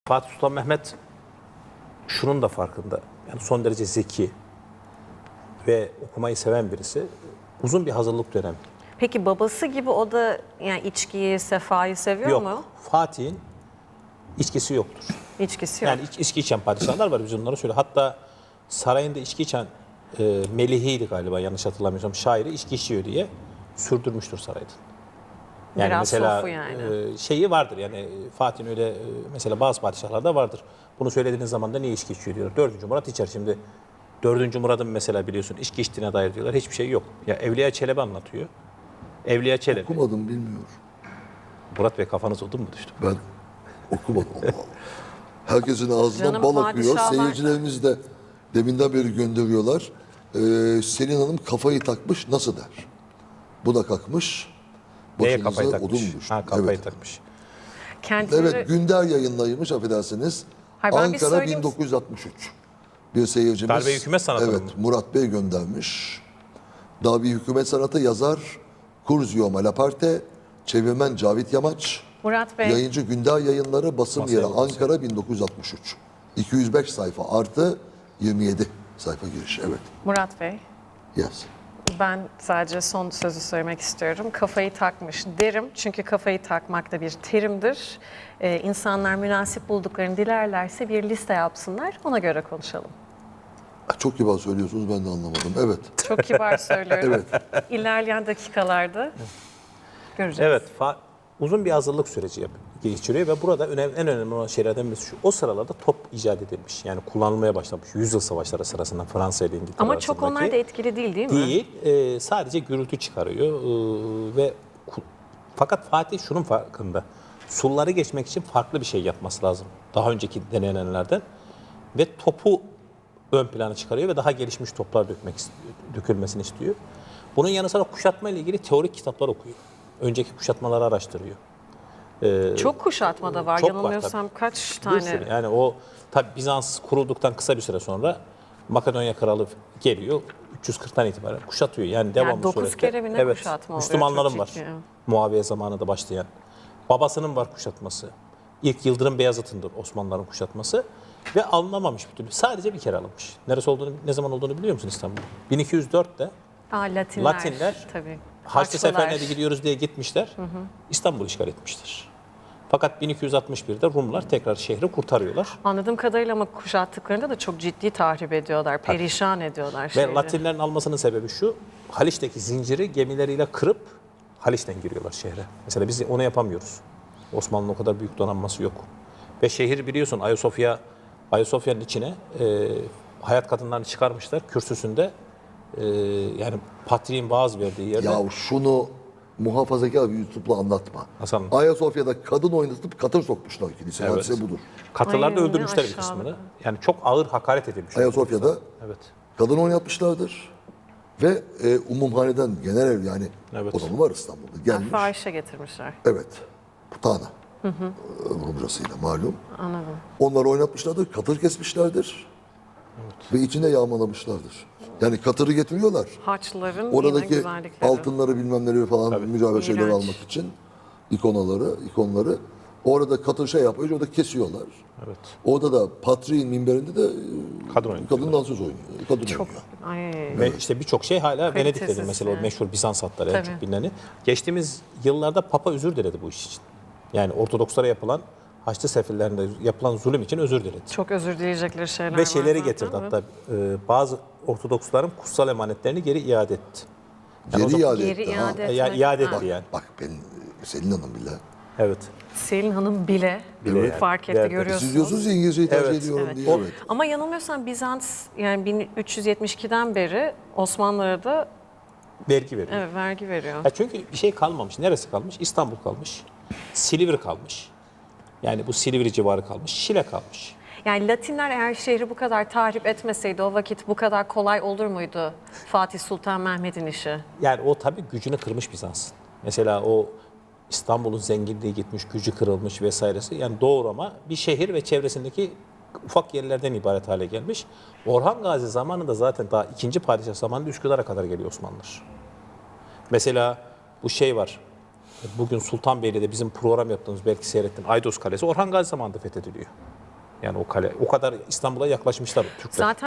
Fatih Sultan Mehmet şunun da farkında. Yani son derece zeki ve okumayı seven birisi. Uzun bir hazırlık dönemi. Peki babası gibi o da yani içkiyi, sefayı seviyor Yok. mu? Fatih'in içkisi yoktur. İçkisi yok. Yani içki içen padişahlar var, biz onları söyle. Hatta sarayında içki içen Melihi'ydi galiba, yanlış hatırlamıyorsam, şairi içki içiyor diye sürdürmüştür sarayda. Yani Biraz mesela sofu yani. Şeyi vardır yani, Fatih'in öyle mesela bazı padişahlarda vardır. Bunu söylediğiniz zaman da niye içki içiyor diyorlar. 4. Murat içer şimdi. 4. Murat'ın mesela biliyorsun içki içtiğine dair diyorlar. Hiçbir şey yok. Ya Evliya Çelebi anlatıyor. Evliya Çelebi. Okumadım, bilmiyorum. Murat Bey, kafanız odun mu düştü? Ben okumadım. Allah Allah. Herkesin ağzından Canım, bal akıyor. padişahlar- Seyircilerimiz de deminden beri gönderiyorlar. Selin Hanım kafayı takmış, nasıl der? Bu da kalkmış. Neye Başınıza kafayı takmış? odun düştü. Ha, kafayı Evet. takmış. Kendileri... Evet, Günder yayınlaymış, affedersiniz. Hayır, ben bir Ankara söyleyeyim. 1963. Bir seyircimiz. Darbe hükümet sanatı Evet, mı? Murat Bey göndermiş. Darbe hükümet sanatı yazar Curzio Malaparte, çevirmen Cavit Yamaç, Murat Bey, yayıncı Günder Yayınları, basım Masaya yeri bakın. Ankara 1963. 205 sayfa artı 27 sayfa giriş. Evet. Murat Bey, Yes. ben sadece son sözü söylemek istiyorum. Kafayı takmış derim çünkü kafayı takmak da bir terimdir. İnsanlar münasip bulduklarını dilerlerse bir liste yapsınlar, ona göre konuşalım. Çok kibar söylüyorsunuz, ben de anlamadım. Evet. Çok kibar söylüyorum. Evet. İlerleyen dakikalarda göreceğiz. Evet, uzun bir hazırlık süreci geçiriyor ve burada en önemli olan şeylerden birisi şu: o sıralarda top icat edilmiş. Yani kullanılmaya başlamış. Yüzyıl savaşları sırasında Fransa ile İngiltere Ama çok arasındaki. onlar da etkili değil mi? Değil, sadece gürültü çıkarıyor ve fakat Fatih şunun farkında: sulları geçmek için farklı bir şey yapması lazım daha önceki denenenlerden ve topu ön plana çıkarıyor ve daha gelişmiş toplar dökülmesini istiyor. Bunun yanı sıra kuşatma ile ilgili teorik kitaplar okuyor. Önceki kuşatmaları araştırıyor. Çok kuşatma da var. Çok var Yanılmıyorsam kaç Bir tane? sürü. Yani o tabi Bizans kurulduktan kısa bir süre sonra Makedonya kralı geliyor. 340'tan itibaren kuşatıyor. Yani devamlı 9 surette. kere mi ne Evet, kuşatma oluyor? Müslümanların Çok var. ciddi. Muaviye zamanında başlayan. Babasının var kuşatması. İlk Yıldırım Beyazıt'ındır Osmanlıların kuşatması. Ve alınamamış bir türlü. Sadece bir kere alınmış. Neresi olduğunu, ne zaman olduğunu biliyor musun İstanbul? 1204'te Latinler tabii. Haçlı Haçlılar. seferine de gidiyoruz diye gitmişler. İstanbul'u işgal etmiştir. Fakat 1261'de Rumlar tekrar şehri kurtarıyorlar. Anladığım kadarıyla ama kuşattıklarında da çok ciddi tahrip ediyorlar, perişan ediyorlar Ve şehri. Latinlerin almasının sebebi şu: Haliç'teki zinciri gemileriyle kırıp Haliç'ten giriyorlar şehre. Mesela biz onu yapamıyoruz. Osmanlı'nın o kadar büyük donanması yok. Ve şehir biliyorsun Ayasofya'nın içine hayat kadınlarını çıkarmışlar kürsüsünde. Yani patriğin vaaz verdiği yerde. Ya şunu muhafazakar bir YouTube'la anlatma. Hasan. Ayasofya'da kadın oynatıp katır sokmuşlar kiliseye. Evet. Hadise budur. Katılarda Ay, öldürmüşler ne bir aşağılık. kısmını. Yani çok ağır hakaret edilmiş. Ayasofya'da Evet. kadın oynatmışlardır. Ve umumhaneden genel ev, yani Evet. o zaman var İstanbul'da, gelmiş. Fahişe getirmişler. Evet. Putana. Rumcasıyla malum. Anladım. Onları oynatmışlardır, katır kesmişlerdir. Ve içinde yağmalamışlardır. Yani katırı getiriyorlar. Haçlıların yine Oradaki güzellikleri. altınları bilmemleri falan mücevher şeyleri İğrenç. almak için ikonları orada katır şey yapıyor, orada kesiyorlar. Evet. Orada da Patriğin minberinde de Kadın oynatıyorlar. kadın dansöz oynuyor. Kadın Çok. oynuyor. Ay. Ve işte birçok şey hala Venedik'tedir. Kalitesiz Mesela o yani. meşhur Bizans hatları en Tabii. çok bilineni. Geçtiğimiz yıllarda Papa özür diledi bu iş için. Yani Ortodokslara yapılan, Haçlı sefirlerinde yapılan zulüm için özür diledi. Çok özür dileyecekleri şeyler Ve var şeyleri zaten, getirdi evet. hatta bazı Ortodoksların kutsal emanetlerini geri iade etti. Yani o Geri zaman- iade Geri etti. iade Ha. etmek. iade Ha. etti yani. Bak ben Selin Hanım bile. Evet. Selin Hanım bile, yani. fark etti, Verdi. görüyorsunuz. Siz diyorsunuz ya İngilizceyi tercih Evet. ediyorum Evet. diye. Evet. Ama yanılmıyorsam Bizans yani 1372'den beri Osmanlılara da Vergi veriyor. evet, vergi veriyor. Ya çünkü bir şey kalmamış. Neresi kalmış? İstanbul kalmış. Silivri kalmış. Yani bu Silivri civarı kalmış. Şile kalmış. Yani Latinler eğer şehri bu kadar tahrip etmeseydi o vakit bu kadar kolay olur muydu Fatih Sultan Mehmet'in işi? Yani o tabii gücünü kırmış Bizans'ın. Mesela o İstanbul'un zenginliği gitmiş, gücü kırılmış vesairesi. Yani doğru, ama bir şehir ve çevresindeki ufak yerlerden ibaret hale gelmiş. Orhan Gazi zamanında zaten daha 2. padişah zamanında Üsküdar'a kadar geliyor Osmanlılar. Mesela bu şey var. Bugün Sultanbeyli'de bizim program yaptığımız, belki seyrettin, Aydos Kalesi Orhan Gazi zamanında fethediliyor. Yani o kale o kadar İstanbul'a yaklaşmışlar Türkler. Zaten